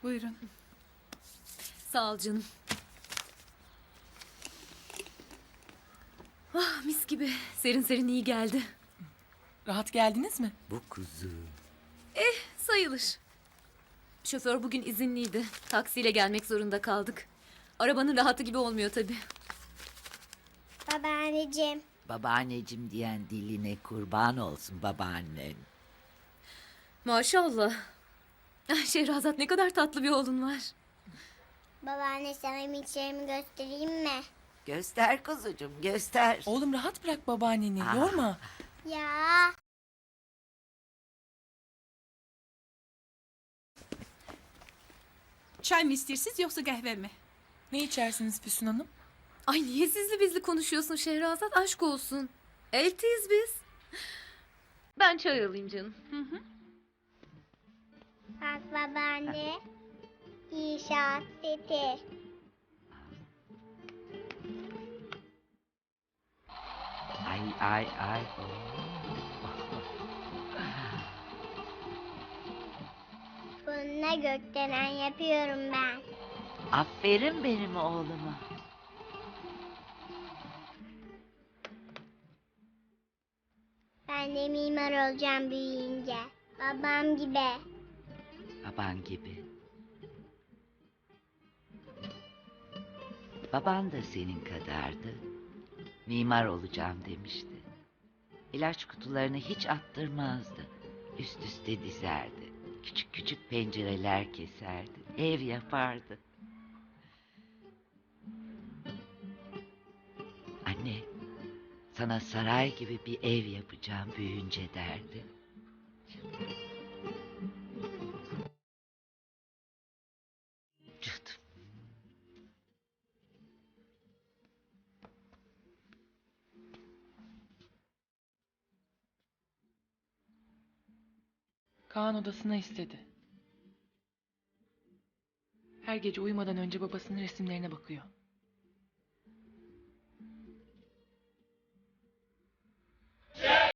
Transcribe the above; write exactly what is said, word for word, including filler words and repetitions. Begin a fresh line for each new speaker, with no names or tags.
Buyurun.
Sağ ol canım. Ah, mis gibi. Serin serin iyi geldi.
Rahat geldiniz mi?
Bu kuzu.
Sayılır. Şoför bugün izinliydi. Taksiyle gelmek zorunda kaldık. Arabanın rahatı gibi olmuyor tabii.
Babaanneciğim,
Babaanneciğim diyen diline kurban olsun babaannen.
Maşallah. Ah, Şehrazat, ne kadar tatlı bir oğlun var.
babaanne sana miçlerimi göstereyim mi?
Göster kuzucuğum göster.
Oğlum rahat bırak babaanneni.
Ah.
Yorma.
Ya,
Çay mı istiyorsunuz yoksa kahve mi?
Ne içersiniz Füsun Hanım?
Ay, niye sizli bizli konuşuyorsun Şehrazat? Aşk olsun. Eltiyiz biz. Ben çay alayım canım.
bak babaanne. İnşaat seti.
Ay ay ay.
Bununla gökdelen yapıyorum ben.
Aferin benim oğluma.
Ben de mimar olacağım büyüyünce. Babam gibi.
Baban gibi. Baban da senin kadardı. Mimar olacağım demişti. İlaç kutularını hiç attırmazdı. Üst üste dizerdi. Küçük küçük pencereler keserdi. Ev yapardı. Anne, sana saray gibi bir ev yapacağım büyüyünce derdi. Canım.
Kaan odasına istedi. Her gece uyumadan önce babasının resimlerine bakıyor.